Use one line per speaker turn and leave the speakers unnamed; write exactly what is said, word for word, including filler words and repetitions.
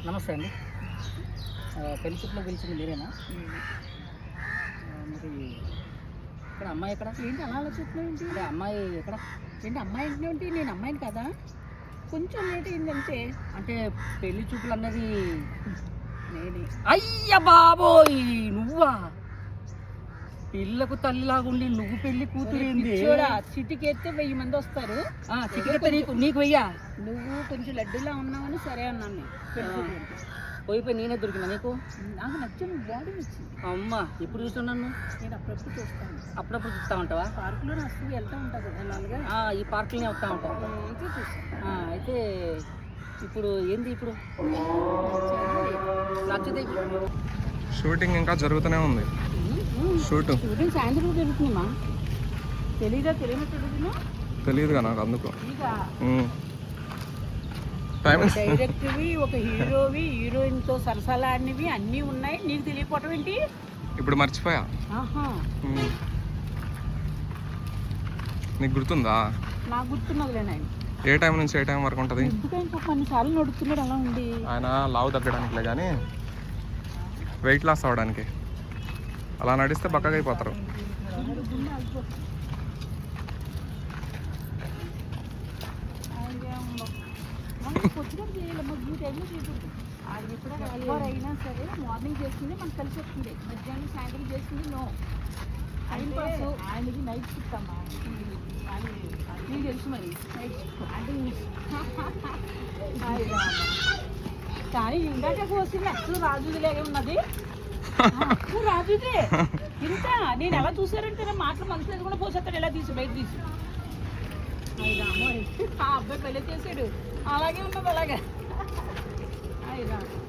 నమస్తే అండి. పెళ్లి చూపులో పిలిచింది మీరేనా? మరి ఇక్కడ అమ్మాయి ఎక్కడ?
ఏంటి అలా ఆలోచిస్తున్నావు ఏంటి?
అంటే అమ్మాయి ఎక్కడ?
ఏంటి అమ్మాయి ఇంట్లో ఏంటి? నేను అమ్మాయిని కదా, కొంచెం లేట్ అయిందంటే.
అంటే పెళ్లి చూపులు అన్నది
నేనే.
అయ్య బాబోయ్, నువ్వా? పిల్లకు తల్లిలాగుండి నువ్వు పెళ్లి కూతురింది.
చూడా, చిటికెత్తే వెయ్యి మంది వస్తారు.
చిటికెత్తే నీకు నీకు వెయ్యా?
నువ్వు కొంచెం లడ్డులా ఉన్నావని సరే అన్నాను నేను. పెళ్లి చూపులు అంటే.
పోయి పోయి నేనే దొరికినా నీకు?
నాకు నచ్చిన బాడీ వచ్చింది.
అమ్మా ఎప్పుడు చూస్తున్నాను?
నేను అప్పుడప్పుడు చూస్తాను.
అప్పుడప్పుడు చూస్తూ ఉంటావా?
పార్కులో వస్తూ వెళ్తూ ఉంటుంది కదా అలాగా.
ఈ పార్కులనే వస్తూ ఉంటావు.
అయితే చూస్తాను.
అయితే ఇప్పుడు ఏంది ఇప్పుడు నచ్చితే?
షూటింగ్ ఇంకా జరుగుతూనే ఉంది. షూట్
షూటింగ్ సాయంత్రం జరుగుతుందమ్మా. తెలీదా? తెలియనట్టు అడుగుతున్నా.
తెలియదుగా నాకు, అందుకు
ఇక డైరెక్టర్వి, ఒక హీరోవి, హీరోయిన్తో సరసలాడినవి అన్నీ ఉన్నాయి. నీకు తెలియకపోవటం ఏంటి?
ఇప్పుడు మర్చిపోయా.
ఆహా,
ఉమ్. నీకు గుర్తుందా?
నాకు గుర్తున్నదిలే నాయన.
ఏ టైం నుంచి ఏ టైం వరకు ఉంటుంది?
ఎందుకని పాప అన్నిసార్లు నడుస్తున్నాడు అలా ఉండి.
ఆయన లావు తగ్గడానికిలే కానీ వెయిట్ లాస్ అవ్వడానికి. అలా నడిస్తే బక్కగా అయిపోతారు.
అయినా సరే మార్నింగ్ చేస్తుంది మనకు కలిసి వస్తుంది, మధ్యాహ్నం సాయంత్రం చేస్తుంది నో. Time pass. ఆయనకి నైట్ షిఫ్ట్ అమ్మా, నీకు తెలుసు మరి నైట్ షిఫ్ట్ అంటే. కానీ ఇందాక వస్తుంది అసలు రాజుదిలాగే ఉన్నది. అసలు రాజుదే ఇంత. నేను ఎలా చూసారంటే మాటలు మనసు కూడా పోసేస్తాడు, ఎలా తీసి బయట తీసి. ఆ అబ్బాయి పెళ్ళి చేసాడు అలాగే ఉన్నది అలాగే. అయ్యా